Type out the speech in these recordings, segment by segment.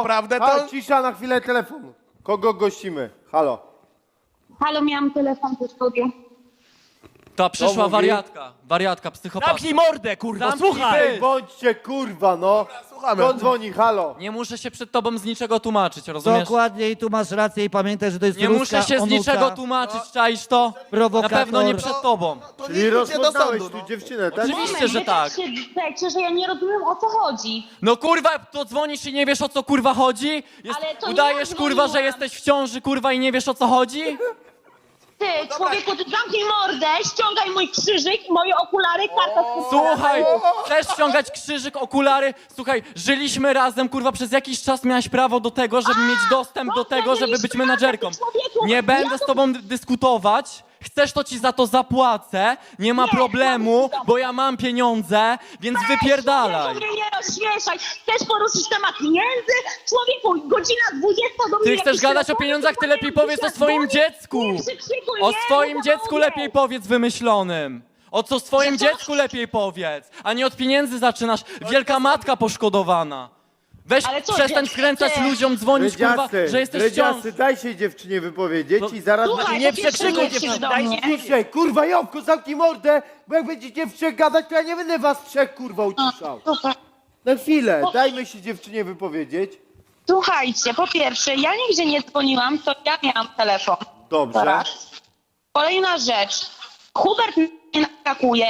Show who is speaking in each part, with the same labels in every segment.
Speaker 1: naprawdę to...
Speaker 2: Halo, cisza, na chwilę telefon. Kogo gościmy? Halo.
Speaker 3: Halo, miałam telefon po studiu.
Speaker 4: Ta przyszła
Speaker 2: mówi?
Speaker 4: wariatka, psychopatka.
Speaker 1: Zamknij mordę, kurwa,
Speaker 4: Zamknij
Speaker 1: słuchaj!
Speaker 4: pysk.
Speaker 2: Bądźcie kurwa, no.
Speaker 1: słuchamy.
Speaker 2: Kto dzwoni? Halo.
Speaker 4: Nie muszę się przed tobą z niczego tłumaczyć, rozumiesz?
Speaker 5: Dokładnie i tu masz rację i pamiętaj, że to jest
Speaker 4: Nie
Speaker 5: ruska
Speaker 4: muszę się z
Speaker 5: onuka,
Speaker 4: niczego tłumaczyć, czaisz to? Na
Speaker 5: prowokator.
Speaker 4: pewno nie przed tobą.
Speaker 1: To
Speaker 2: Czyli
Speaker 1: nie idźcie do
Speaker 2: rozpoznałeś
Speaker 1: sądu,
Speaker 2: tu dziewczynę, tak?
Speaker 4: Oczywiście, że
Speaker 3: wy
Speaker 4: tak.
Speaker 3: się drzecie, że ja nie rozumiem, o co chodzi.
Speaker 4: No kurwa, to dzwonisz i nie wiesz, o co kurwa chodzi?
Speaker 3: Ale to nie
Speaker 4: Udajesz
Speaker 3: ja
Speaker 4: kurwa, że
Speaker 3: dzwoniłam.
Speaker 4: jesteś w ciąży kurwa i nie wiesz, o co chodzi?
Speaker 3: Ty, człowieku, ty zamknij mordę, ściągaj mój krzyżyk i moje okulary, karta z
Speaker 4: Słuchaj, chcesz ściągać krzyżyk, okulary? Słuchaj, żyliśmy razem, kurwa, przez jakiś czas miałaś prawo do tego, żeby mieć dostęp do tego, żeby być menadżerką. Nie będę z tobą dyskutować. Chcesz, to ci za to zapłacę. Nie ma problemu, bo ja mam pieniądze, więc wypierdalaj.
Speaker 3: Mnie nie rozśmieszaj. Chcesz poruszyć temat pieniędzy? Człowieku, godzina 20 do mnie.
Speaker 4: Ty chcesz gadać o pieniądzach, ty lepiej powiedz o swoim dziecku. O swoim dziecku lepiej powiedz wymyślonym. O co swoim dziecku lepiej powiedz, a nie od pieniędzy zaczynasz. Wielka matka poszkodowana. Weź,
Speaker 3: Ale co,
Speaker 4: przestań
Speaker 3: ty-
Speaker 4: wkręcać
Speaker 3: ty-
Speaker 4: ludziom, dzwonić, kurwa, że jesteś w ciąży.
Speaker 2: Dredziasty, daj się dziewczynie wypowiedzieć i zaraz...
Speaker 3: Słuchaj,
Speaker 1: nie
Speaker 3: po pierwsze,
Speaker 1: przekrzykuj
Speaker 3: nie krzycz
Speaker 1: dziewczyny,
Speaker 3: do
Speaker 1: daj
Speaker 3: mnie.
Speaker 2: Ciszej, kurwa, Jowko, zamknij mordę, bo jak będziecie w trzech gadać, to ja nie będę was trzech, kurwa, uciszał. Na chwilę, dajmy się dziewczynie wypowiedzieć.
Speaker 3: Słuchajcie, po pierwsze, ja nigdzie nie dzwoniłam, to ja miałam telefon.
Speaker 2: Dobrze.
Speaker 3: Raz. Kolejna rzecz. Hubert mnie naskakuje.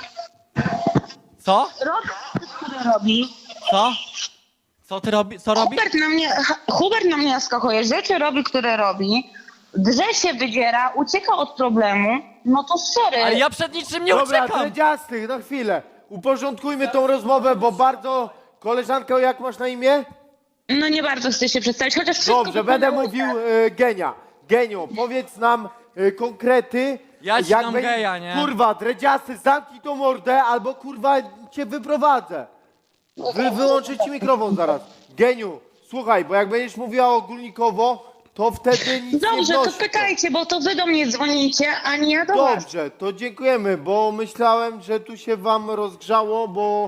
Speaker 4: Co?
Speaker 3: Który robi.
Speaker 4: Co? Co ty robisz? Co robisz?
Speaker 3: Hubert na mnie naskakuje. Rzeczy robi, które robi. Drze się wydziera, ucieka od problemu. No to sorry.
Speaker 4: Ale ja przed niczym nie
Speaker 2: Dobra,
Speaker 4: uciekam.
Speaker 2: Dredziasty, na chwilę. Uporządkujmy tą rozmowę, bo bardzo... Koleżanko, jak masz na imię?
Speaker 3: No nie bardzo chcę się przedstawić, chociaż wszystko
Speaker 2: Dobrze, będę
Speaker 3: wyglądało
Speaker 2: mówił
Speaker 3: tak.
Speaker 2: Genia. Geniu, powiedz nam konkrety.
Speaker 4: Ja ci
Speaker 2: jak
Speaker 4: dam
Speaker 2: będzie-
Speaker 4: geja, nie?
Speaker 2: Kurwa, Dredziasty, zamknij tą mordę, albo kurwa cię wyprowadzę. Wyłączę ci mikrofon zaraz. Geniu, słuchaj, bo jak będziesz mówiła ogólnikowo, to wtedy nic nie
Speaker 3: Dobrze, to
Speaker 2: wnosi.
Speaker 3: pytajcie, bo to wy do mnie dzwonicie, a nie ja do was.
Speaker 2: Dobrze, to dziękujemy, bo myślałem, że tu się wam rozgrzało, bo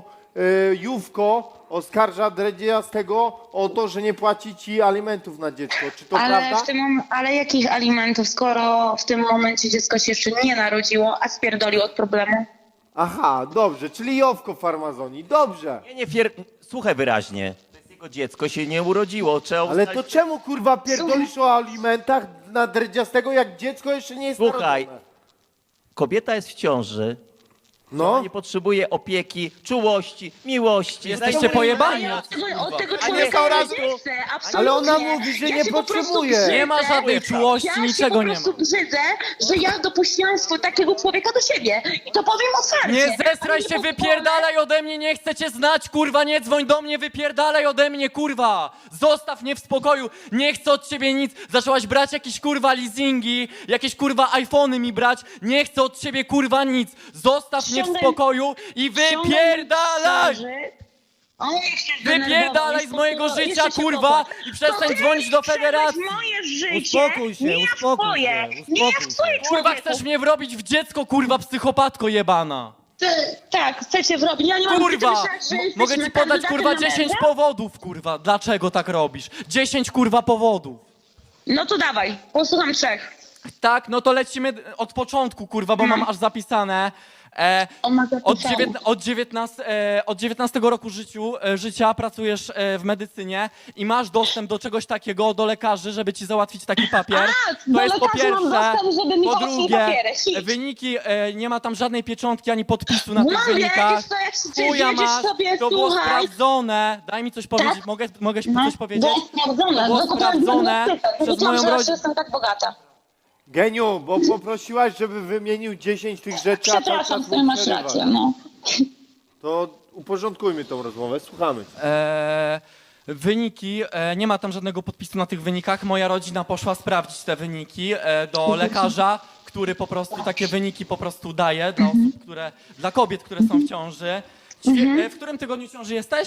Speaker 2: Jówko oskarża Dredziastego o to, że nie płaci ci alimentów na dziecko. Czy to prawda?
Speaker 3: Ale jakich alimentów, skoro w tym momencie dziecko się jeszcze nie narodziło, a spierdolił od problemu?
Speaker 2: Aha, dobrze, czyli Jowko farmazoni, dobrze.
Speaker 1: Słuchaj wyraźnie. To jest jego dziecko, się nie urodziło. Trzeba
Speaker 2: Ale to czemu kurwa pierdolisz o alimentach na Dredziastego, jak dziecko jeszcze nie jest
Speaker 1: Słuchaj.
Speaker 2: narodzone?
Speaker 1: Kobieta jest w ciąży.
Speaker 2: No,
Speaker 1: Nie potrzebuje opieki, czułości, miłości.
Speaker 4: Jesteście pojebani.
Speaker 3: Ja od tego
Speaker 1: A nie
Speaker 3: człowieka
Speaker 1: Saurazku.
Speaker 3: nie chcę, absolutnie.
Speaker 2: Ale ona mówi, że
Speaker 3: Ja
Speaker 2: nie
Speaker 3: się po prostu
Speaker 2: potrzebuje.
Speaker 3: brzydzę.
Speaker 4: Nie ma żadnej czułości,
Speaker 3: Ja
Speaker 4: niczego
Speaker 3: się
Speaker 4: nie
Speaker 3: po
Speaker 4: ma.
Speaker 3: prostu brzydzę, że ja dopuściłam takiego człowieka do siebie. I to powiem otwarcie.
Speaker 4: Nie zestraj
Speaker 3: Ale
Speaker 4: się,
Speaker 3: pozwolę-
Speaker 4: wypierdalaj ode mnie, nie chcę cię znać, kurwa, nie dzwoń do mnie, wypierdalaj ode mnie, kurwa. Zostaw mnie w spokoju, nie chcę od ciebie nic. Zaczęłaś brać jakieś, kurwa, leasingi, jakieś, kurwa, iPhony mi brać. Nie chcę od ciebie, kurwa, nic. Zostaw mnie w
Speaker 3: Ściągaj-
Speaker 4: spokoju i wypierdalaj! Wypierdalaj z mojego życia, kurwa, i przestań dzwonić do federacji.
Speaker 3: Moje życie,
Speaker 5: Uspokój się,
Speaker 3: nie w
Speaker 5: uspokój
Speaker 3: twoje,
Speaker 5: się,
Speaker 3: nie
Speaker 5: uspokój
Speaker 3: w twoje,
Speaker 4: Kurwa,
Speaker 3: człowieku.
Speaker 4: chcesz mnie wrobić w dziecko, kurwa, psychopatko jebana.
Speaker 3: Tak, chcecie wrobić. Ja nie mam
Speaker 4: Kurwa,
Speaker 3: myśleć, że
Speaker 4: mogę ci
Speaker 3: jesteśmy
Speaker 4: podać,
Speaker 3: kandydatem
Speaker 4: kurwa,
Speaker 3: na
Speaker 4: 10
Speaker 3: męża?
Speaker 4: powodów, kurwa, dlaczego tak robisz. 10, kurwa, powodów.
Speaker 3: No to dawaj, posłucham trzech.
Speaker 4: Tak, no to lecimy od początku, kurwa, bo mam aż zapisane.
Speaker 3: On ma
Speaker 4: Od,
Speaker 3: zapisane.
Speaker 4: od 19 roku życia pracujesz w medycynie i masz dostęp do czegoś takiego, do lekarzy, żeby ci załatwić taki papier.
Speaker 3: A,
Speaker 4: To
Speaker 3: do
Speaker 4: jest po
Speaker 3: lekarzy mam
Speaker 4: pierwsze.
Speaker 3: dostęp, żeby mi
Speaker 4: Po
Speaker 3: załatwili
Speaker 4: drugie,
Speaker 3: papiery. Hit.
Speaker 4: wyniki, nie ma tam żadnej pieczątki ani podpisu na tych
Speaker 3: Mam,
Speaker 4: wynikach.
Speaker 3: wiesz co, jak się
Speaker 4: Chuja
Speaker 3: wiedziesz
Speaker 4: masz,
Speaker 3: sobie,
Speaker 4: to było
Speaker 3: słuchaj.
Speaker 4: sprawdzone. Daj mi coś powiedzieć,
Speaker 3: Tak?
Speaker 4: mogę
Speaker 3: No,
Speaker 4: coś powiedzieć?
Speaker 3: było sprawdzone,
Speaker 4: To było
Speaker 3: no to
Speaker 4: sprawdzone przez
Speaker 3: Wiedziałam,
Speaker 4: moją
Speaker 3: że
Speaker 4: rodzinę.
Speaker 3: jestem tak bogata.
Speaker 2: Geniu, bo poprosiłaś, żeby wymienił 10 tych rzeczy, a cały
Speaker 3: Przepraszam,
Speaker 2: czas
Speaker 3: ty
Speaker 2: mu
Speaker 3: masz
Speaker 2: przerywasz.
Speaker 3: rację, no.
Speaker 2: To uporządkujmy tą rozmowę, słuchamy.
Speaker 4: Wyniki, nie ma tam żadnego podpisu na tych wynikach. Moja rodzina poszła sprawdzić te wyniki do lekarza, który po prostu takie wyniki po prostu daje dla osób, dla kobiet, które są w ciąży. W którym tygodniu ciąży jesteś?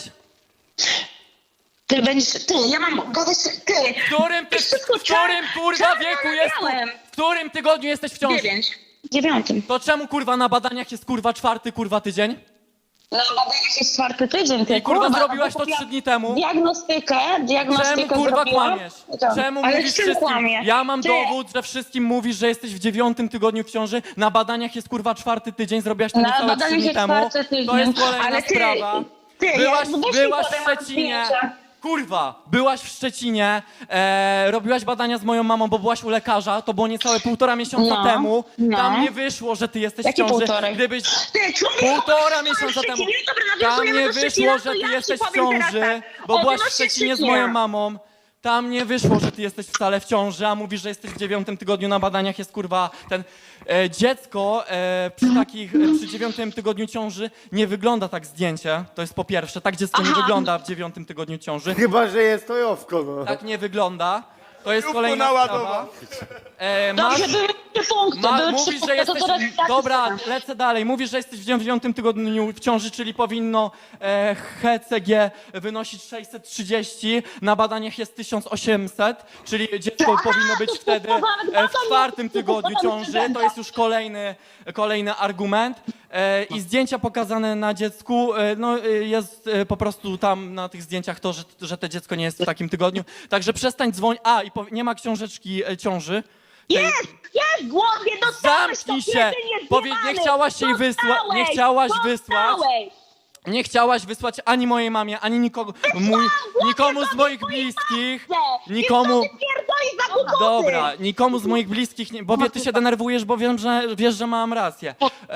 Speaker 3: Ja mam gadać, ty.
Speaker 4: W którym kurwa wieku jest?
Speaker 3: Miałem.
Speaker 4: W którym tygodniu jesteś w ciąży?
Speaker 3: 9. 9.
Speaker 4: To czemu kurwa na badaniach jest kurwa 4 kurwa tydzień?
Speaker 3: No badaniach jest 4. tydzień, ty
Speaker 4: I kurwa
Speaker 3: kurwa,
Speaker 4: zrobiłaś
Speaker 3: no
Speaker 4: to
Speaker 3: bo
Speaker 4: 3 dni temu.
Speaker 3: Diagnostykę
Speaker 4: Czemu kurwa
Speaker 3: zrobiłam.
Speaker 4: kłamiesz?
Speaker 3: Tak.
Speaker 4: Czemu
Speaker 3: Ale
Speaker 4: mówisz
Speaker 3: z czym
Speaker 4: wszystkim?
Speaker 3: kłamie?
Speaker 4: Ja mam
Speaker 3: Ty,
Speaker 4: dowód, że wszystkim mówisz, że jesteś w 9. tygodniu w ciąży. Na badaniach jest kurwa 4. tydzień, zrobiłaś to
Speaker 3: Na
Speaker 4: niecałe 3
Speaker 3: badaniach
Speaker 4: dni
Speaker 3: jest
Speaker 4: temu.
Speaker 3: 4. tydzień.
Speaker 4: To jest kolejna
Speaker 3: Ale ty,
Speaker 4: sprawa.
Speaker 3: ty,
Speaker 4: Byłaś,
Speaker 3: ja- weź mi
Speaker 4: byłaś w
Speaker 3: potem mam
Speaker 4: Szczecinie.
Speaker 3: zdjęcia.
Speaker 4: Kurwa, byłaś w Szczecinie, robiłaś badania z moją mamą, bo byłaś u lekarza, to było niecałe 1,5 miesiąca
Speaker 3: No,
Speaker 4: temu.
Speaker 3: no.
Speaker 4: Tam nie wyszło, że ty jesteś w
Speaker 3: Jakie
Speaker 4: ciąży.
Speaker 3: półtorej?
Speaker 4: Gdybyś
Speaker 3: Ty, człowieku,
Speaker 4: 1,5
Speaker 3: byłam w
Speaker 4: miesiąca temu.
Speaker 3: Szczecinie, dobra,
Speaker 4: Tam
Speaker 3: nawiązujemy
Speaker 4: nie
Speaker 3: do
Speaker 4: wyszło,
Speaker 3: Szczecina,
Speaker 4: że
Speaker 3: to
Speaker 4: ty
Speaker 3: ja ci
Speaker 4: jesteś w
Speaker 3: powiem teraz
Speaker 4: ciąży,
Speaker 3: tak.
Speaker 4: bo byłaś w
Speaker 3: Odnośnie
Speaker 4: Szczecinie z
Speaker 3: Szczecina.
Speaker 4: moją mamą. Tam nie wyszło, że ty jesteś wcale w ciąży, a mówisz, że jesteś w 9. tygodniu, na badaniach jest kurwa ten... dziecko przy 9. tygodniu ciąży nie wygląda tak zdjęcie, to jest po pierwsze, tak dziecko nie
Speaker 3: Aha.
Speaker 4: wygląda w 9. tygodniu ciąży.
Speaker 2: Chyba, że jest to Jowko, no.
Speaker 4: Tak nie wygląda. To jest kolejna sprawa.
Speaker 3: Dobrze, były 3 punkty, były 3
Speaker 4: Mówisz,
Speaker 3: punkty,
Speaker 4: że jesteś...
Speaker 3: to teraz tak
Speaker 4: Dobra,
Speaker 3: jest.
Speaker 4: lecę dalej. Mówisz, że jesteś w 9. tygodniu w ciąży, czyli powinno HCG wynosić 630. Na badaniach jest 1800, czyli dziecko
Speaker 3: Aha,
Speaker 4: powinno być
Speaker 3: to
Speaker 4: wtedy
Speaker 3: nawet
Speaker 4: w 4. tygodniu
Speaker 3: to
Speaker 4: ciąży. To jest już kolejny argument. I zdjęcia pokazane na dziecku, jest po prostu tam na tych zdjęciach to, że to dziecko nie jest w takim tygodniu. Także przestań dzwonić. Nie ma książeczki ciąży.
Speaker 3: Jest, głowie, dostałeś
Speaker 4: Zamknij
Speaker 3: to,
Speaker 4: się!
Speaker 3: kiedy
Speaker 4: Nie chciałaś jej wysłać. Nie chciałaś wysłać. Nie chciałaś wysłać ani mojej mamie, ani nikomu z moich bliskich. Nikomu. Dobra, nikomu z moich bliskich, bo ty się denerwujesz, bo wiesz, że mam rację.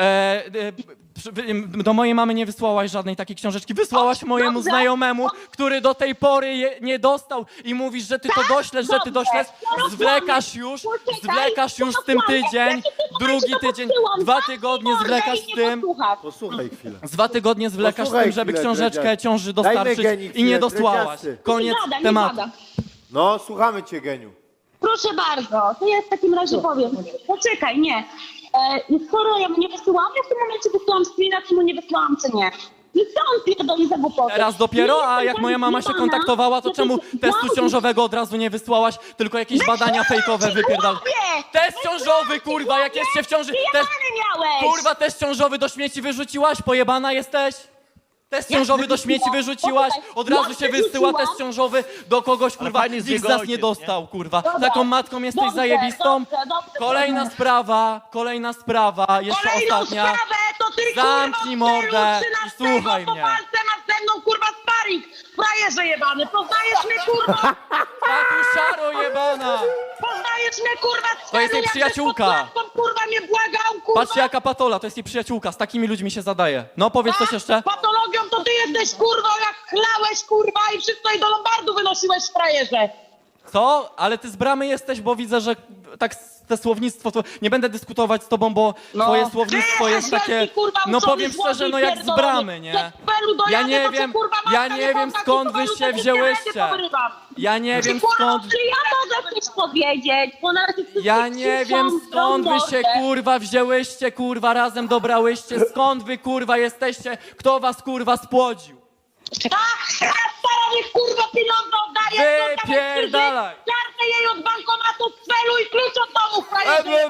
Speaker 4: Do mojej mamy nie wysłałaś żadnej takiej książeczki. Wysłałaś mojemu
Speaker 3: Dobrze.
Speaker 4: znajomemu, który do tej pory nie dostał i mówisz, że ty to doślesz, że ty doślesz. Zwlekasz już z tym tydzień, drugi tydzień, 2 tygodnie zwlekasz z tym.
Speaker 2: Posłuchaj chwilę.
Speaker 4: Z 2 tygodnie zwlekasz z
Speaker 2: Posłuchaj
Speaker 4: tym, żeby
Speaker 2: chwilę,
Speaker 4: książeczkę
Speaker 2: Dredziarz.
Speaker 4: ciąży
Speaker 2: Dajmy
Speaker 4: dostarczyć
Speaker 2: Geni
Speaker 4: i
Speaker 2: chwilę,
Speaker 4: nie dosłałaś.
Speaker 2: Dredziasty.
Speaker 4: Koniec
Speaker 3: Nie gada,
Speaker 4: tematu.
Speaker 3: nie gada.
Speaker 2: No, słuchamy cię, Geniu.
Speaker 3: Proszę bardzo, to ja w takim razie powiem. Poczekaj, nie. Skoro ja mu nie wysyłam, ja w tym momencie wysyłam screena, czy mu nie wysyłam, czy nie. I co on pierdoli za głupoty?
Speaker 4: Teraz dopiero,
Speaker 3: Nie
Speaker 4: a
Speaker 3: jestem
Speaker 4: jak
Speaker 3: tak
Speaker 4: moja mama się
Speaker 3: zjebana,
Speaker 4: kontaktowała, to
Speaker 3: że
Speaker 4: czemu
Speaker 3: ty
Speaker 4: testu
Speaker 3: kłamstwo-
Speaker 4: ciążowego od razu nie wysłałaś, tylko jakieś badania fejkowe wypierdal.
Speaker 3: Chłopie!
Speaker 4: Test ciążowy, kurwa, jak jest się w ciąży... Test,
Speaker 3: Pijany miałeś!
Speaker 4: kurwa, test ciążowy do śmieci wyrzuciłaś? Pojebana jesteś? Test ciążowy do śmieci wyrzuciłaś? Od razu się wysyła test ciążowy do kogoś, kurwa,
Speaker 1: fajnie z
Speaker 4: nikt z
Speaker 1: jego
Speaker 4: nas nie
Speaker 1: ojciec,
Speaker 4: dostał, kurwa.
Speaker 3: Dobra.
Speaker 4: Taką matką jesteś
Speaker 3: Dobrze,
Speaker 4: zajebistą.
Speaker 3: dobrze,
Speaker 4: Kolejna sprawa, jeszcze
Speaker 3: Kolejną
Speaker 4: ostatnia.
Speaker 3: sprawę to ty,
Speaker 4: Zamknij
Speaker 3: kurwa,
Speaker 4: mordę
Speaker 3: w
Speaker 4: i
Speaker 3: stylu 13
Speaker 4: słuchaj
Speaker 3: po
Speaker 4: mnie.
Speaker 3: walce masz ze mną, kurwa, sparing! Frajerze jebany, poznajesz mnie, kurwa!
Speaker 4: Tatusiaro jebana!
Speaker 3: Poznajesz mnie, kurwa, z
Speaker 4: To jest jej
Speaker 3: jak
Speaker 4: przyjaciółka.
Speaker 3: żeś pod klatką, kurwa, mnie błagał, kurwa!
Speaker 4: Patrzcie jaka patola, to jest jej przyjaciółka, z takimi ludźmi się zadaje. No powiedz coś jeszcze.
Speaker 3: Patologią to ty jesteś, kurwa, jak chlałeś, kurwa, i wszystko i do lombardu wynosiłeś, frajerze!
Speaker 4: Co? Ale ty z bramy jesteś, bo widzę, że tak te słownictwo, to nie będę dyskutować z tobą, bo twoje słownictwo
Speaker 3: Ty
Speaker 4: jest
Speaker 3: jesteś
Speaker 4: takie,
Speaker 3: wielki, kurwa,
Speaker 4: no
Speaker 3: uczony
Speaker 4: powiem
Speaker 3: złodziej
Speaker 4: szczerze, no jak z
Speaker 3: pierdolony.
Speaker 4: bramy, nie?
Speaker 3: Jak w Pelu dojadę,
Speaker 4: Ja nie
Speaker 3: to cię,
Speaker 4: wiem,
Speaker 3: kurwa,
Speaker 4: ja
Speaker 3: matka
Speaker 4: nie
Speaker 3: nie
Speaker 4: wiem
Speaker 3: pozna,
Speaker 4: skąd
Speaker 3: kurwa,
Speaker 4: wy się
Speaker 3: ludzie
Speaker 4: wzięłyście.
Speaker 3: nie porywam.
Speaker 4: Ja nie wiem
Speaker 3: Kurwa,
Speaker 4: skąd,
Speaker 3: czy ja mogę coś powiedzieć? Bo na razie wszyscy
Speaker 4: ja nie
Speaker 3: krzyczą,
Speaker 4: wiem skąd wy się
Speaker 3: mordę.
Speaker 4: kurwa wzięłyście, kurwa razem dobrałyście, skąd wy kurwa jesteście, kto was kurwa spłodził?
Speaker 3: Tak, teraz stara niech kurwa pieniądze oddaje.
Speaker 4: Wypierdalaj.
Speaker 3: Kartę jej od bankomatu z celu i klucz od domu, frajerze.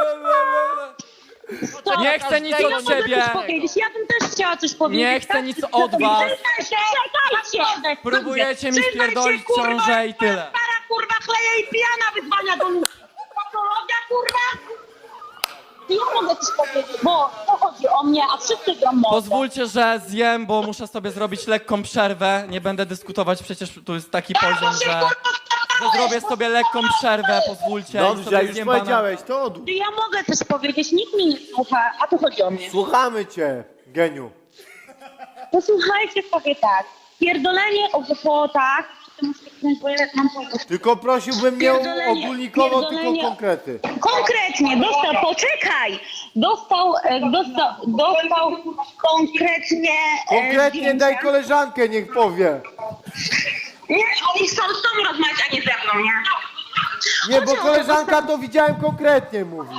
Speaker 4: Nie chcę nic
Speaker 3: Ja
Speaker 4: od
Speaker 3: mogę
Speaker 4: ciebie.
Speaker 3: coś powiedzieć. Ja bym też chciała coś powiedzieć.
Speaker 4: Nie chcę
Speaker 3: tak?
Speaker 4: nic od was.
Speaker 3: Czekajcie.
Speaker 4: Próbujecie mi
Speaker 3: Przyznaj się,
Speaker 4: wpierdolić
Speaker 3: kurwa,
Speaker 4: ciążę i tyle.
Speaker 3: Stara kurwa chleje i pijana wyzwania do ludzi. Patologia kurwa. Ja mogę coś powiedzieć, bo to chodzi o mnie, a wszyscy gram mocno.
Speaker 4: Pozwólcie, że zjem, bo muszę sobie zrobić lekką przerwę. Nie będę dyskutować, przecież tu jest taki poziom, że zrobię sobie lekką przerwę, pozwólcie. i
Speaker 2: Dobrze,
Speaker 4: sobie
Speaker 2: już
Speaker 4: zjem banana.
Speaker 2: powiedziałeś, to odłóż.
Speaker 3: Ja mogę coś powiedzieć, nikt mnie nie słucha, a tu chodzi o mnie.
Speaker 2: Słuchamy cię, Geniu.
Speaker 3: Posłuchajcie sobie tak. Pierdolenie o głupotach, to muszę kliknąć, bo ja mam powód.
Speaker 2: Tylko prosiłbym nie
Speaker 3: Pierdolenie,
Speaker 2: ogólnikowo, tylko
Speaker 3: pierdolenie.
Speaker 2: konkrety.
Speaker 3: Konkretnie, poczekaj! Dostał konkretnie...
Speaker 2: Konkretnie
Speaker 3: zdjęcia.
Speaker 2: daj koleżankę, niech powie.
Speaker 3: Nie, oni chcą z tobą rozmawiać, a nie ze mną, nie?
Speaker 2: Nie, bo
Speaker 3: Chodzi o to,
Speaker 2: koleżanka to widziałem konkretnie, mówi.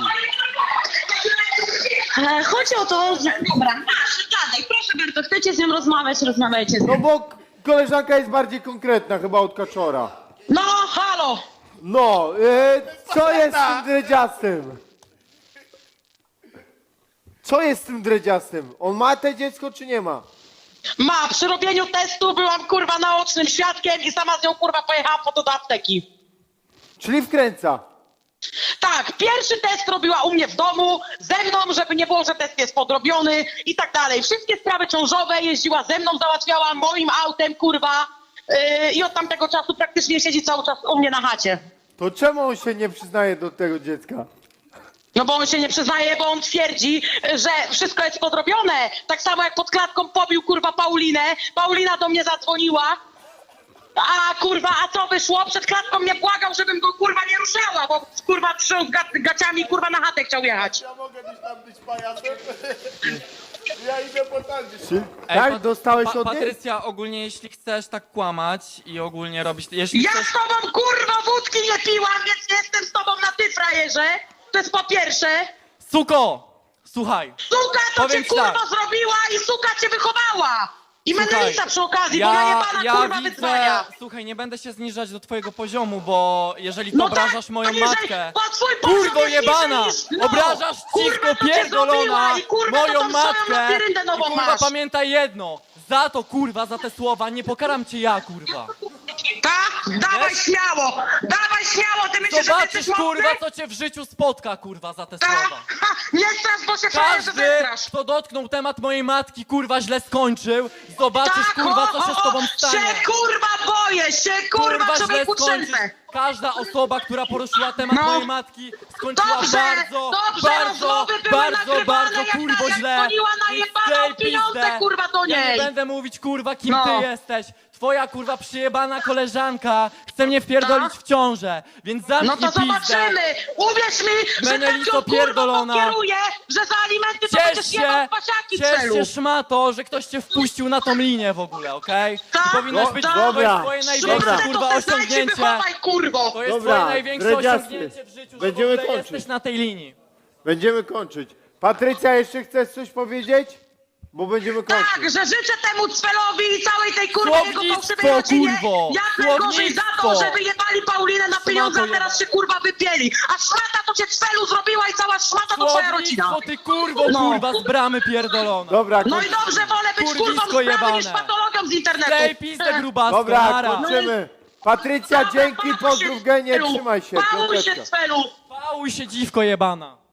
Speaker 3: Chodzi o to, że... Dobra, masz, gadaj, proszę bardzo, chcecie z nią rozmawiać, rozmawiajcie z nią.
Speaker 2: No bo koleżanka jest bardziej konkretna, chyba od Kaczora.
Speaker 3: No, halo!
Speaker 2: No, co jest z tym dredziastym? Co jest z tym dredziastym? On ma te dziecko, czy nie ma?
Speaker 6: Przy robieniu testu byłam kurwa naocznym świadkiem i sama z nią kurwa pojechałam po to do apteki.
Speaker 2: Czyli wkręca.
Speaker 6: Tak, pierwszy test robiła u mnie w domu, ze mną, żeby nie było, że test jest podrobiony i tak dalej. Wszystkie sprawy ciążowe jeździła ze mną, załatwiała moim autem, kurwa. I od tamtego czasu praktycznie siedzi cały czas u mnie na chacie.
Speaker 2: To czemu on się nie przyznaje do tego dziecka?
Speaker 6: No bo on się nie przyznaje, bo on twierdzi, że wszystko jest podrobione. Tak samo jak pod klatką pobił kurwa Paulinę. Paulina do mnie zadzwoniła. A co wyszło? Przed klatką mnie błagał, żebym go kurwa nie ruszała, bo kurwa trząsł gaciami kurwa na chatę chciał jechać.
Speaker 2: Ja mogę tam być pajacem? Ja idę po tańczy.
Speaker 4: Ej,
Speaker 2: Tak? Dostałeś od niej?
Speaker 4: Patrycja, ogólnie jeśli chcesz tak kłamać i ogólnie robić... Jeśli
Speaker 6: Ja
Speaker 4: chcesz...
Speaker 6: z tobą kurwa wódki nie piłam, więc nie jestem z tobą na ty, frajerze. To jest po pierwsze.
Speaker 4: Suko! Słuchaj.
Speaker 6: Suka to cię
Speaker 4: Powiem ci
Speaker 6: kurwa
Speaker 4: tak.
Speaker 6: zrobiła i suka cię wychowała. I
Speaker 4: Słuchaj,
Speaker 6: menelica przy okazji, bo najebana kurwa wyzwania.
Speaker 4: Słuchaj, nie będę się zniżać do twojego poziomu, bo jeżeli ty
Speaker 6: No
Speaker 4: obrażasz
Speaker 6: tak,
Speaker 4: moją
Speaker 6: jeżeli
Speaker 4: matkę...
Speaker 6: po twój poziom
Speaker 4: Kurwo
Speaker 6: jest
Speaker 4: jebana!
Speaker 6: niżej niż- no,
Speaker 4: Obrażasz
Speaker 6: kurwa,
Speaker 4: cichko
Speaker 6: to cię
Speaker 4: pierdolona
Speaker 6: zrobiła i kurwa to
Speaker 4: moją
Speaker 6: tą swoją
Speaker 4: matkę!
Speaker 6: labiryndę
Speaker 4: I
Speaker 6: nową
Speaker 4: kurwa
Speaker 6: masz.
Speaker 4: pamiętaj jedno, za to kurwa, za te słowa nie pokaram cię ja kurwa.
Speaker 6: Tak? Dawaj śmiało! Dawaj śmiało! Ty myślisz, że ty
Speaker 4: Zobaczysz
Speaker 6: jesteś mocny?
Speaker 4: kurwa co cię w życiu spotka kurwa za te
Speaker 6: Tak?
Speaker 4: słowa.
Speaker 6: Ha, nie strasz, bo się frajerze
Speaker 4: Każdy,
Speaker 6: zestrasz.
Speaker 4: kto dotknął temat mojej matki, kurwa, źle skończył. Zobaczysz, kurwa, co się z tobą stanie.
Speaker 6: Się kurwa boję! Się kurwa
Speaker 4: źle
Speaker 6: człowieku
Speaker 4: skończysz.
Speaker 6: trzęsę!
Speaker 4: Każda osoba, która poruszyła temat
Speaker 6: No.
Speaker 4: mojej matki, skończyła
Speaker 6: Dobrze,
Speaker 4: bardzo,
Speaker 6: dobrze,
Speaker 4: bardzo,
Speaker 6: rozmowy były
Speaker 4: bardzo,
Speaker 6: nagrywane,
Speaker 4: bardzo,
Speaker 6: jak
Speaker 4: kurwo
Speaker 6: ta, jak
Speaker 4: źle.
Speaker 6: dzwoniła na
Speaker 4: Więc
Speaker 6: jebaną
Speaker 4: tej
Speaker 6: pieniądze,
Speaker 4: pizdę.
Speaker 6: kurwa, do
Speaker 4: Ja nie
Speaker 6: niej.
Speaker 4: będę mówić, kurwa, kim
Speaker 6: No.
Speaker 4: ty jesteś. Twoja, kurwa, przyjebana koleżanka chce mnie wpierdolić w ciążę, więc zamknij
Speaker 6: No to
Speaker 4: pizdę.
Speaker 6: zobaczymy! Uwierz mi, że tak
Speaker 4: Menelico
Speaker 6: ją kurwa
Speaker 4: pierdolona.
Speaker 6: pokieruję, że za alimenty to
Speaker 4: Ciesz
Speaker 6: będziesz
Speaker 4: się,
Speaker 6: jebał pasiaki w
Speaker 4: ciesz
Speaker 6: celu.
Speaker 4: się szmato, że ktoś cię wpuścił na tą linię w ogóle, okej?
Speaker 6: Tak,
Speaker 4: I powinnaś
Speaker 2: no,
Speaker 4: być
Speaker 2: dobra.
Speaker 4: to jest twoje największe,
Speaker 2: Dobra.
Speaker 4: kurwa,
Speaker 6: To se znajdź i
Speaker 4: osiągnięcie.
Speaker 6: wychowaj, kurwo!
Speaker 4: To jest
Speaker 2: Dobra,
Speaker 4: twoje największe
Speaker 2: dredziasty.
Speaker 4: osiągnięcie w życiu,
Speaker 2: Będziemy
Speaker 4: że w ogóle
Speaker 2: kończyć.
Speaker 4: jesteś na tej linii.
Speaker 2: Będziemy kończyć. Patrycja, jeszcze chcesz coś powiedzieć? Bo będziemy kończyć.
Speaker 6: Tak, że życzę temu Cwelowi i całej tej kurwa jego
Speaker 4: Słownictwo,
Speaker 6: fałszywej rodzinie
Speaker 4: kurwo!
Speaker 6: jak najgorzej za to,
Speaker 4: Słownictwo!
Speaker 6: że wyjebali Paulinę na pieniądze, a teraz się kurwa wypieli. A szmata to cię Cwelu zrobiła i cała szmata to twoja rodzina.
Speaker 4: Słownictwo, ty kurwo,
Speaker 6: No.
Speaker 4: kurwa, z bramy pierdolona.
Speaker 2: Dobra,
Speaker 6: No i
Speaker 2: kończymy.
Speaker 6: dobrze, wolę być kurwą
Speaker 4: Kurwisko
Speaker 6: z prawy
Speaker 4: jebane.
Speaker 6: niż patologią z internetu.
Speaker 4: Tej pizdę grubasko,
Speaker 2: Dobra,
Speaker 4: nara.
Speaker 2: kończymy. Patrycja,
Speaker 6: Dobra,
Speaker 2: dzięki,
Speaker 6: pałuj się,
Speaker 2: pozdrów genie,
Speaker 6: Cwelu.
Speaker 2: trzymaj się.
Speaker 6: Pałuj się,
Speaker 2: Piąteczka.
Speaker 6: Cwelu.
Speaker 4: Pałuj się, dziwko jebana.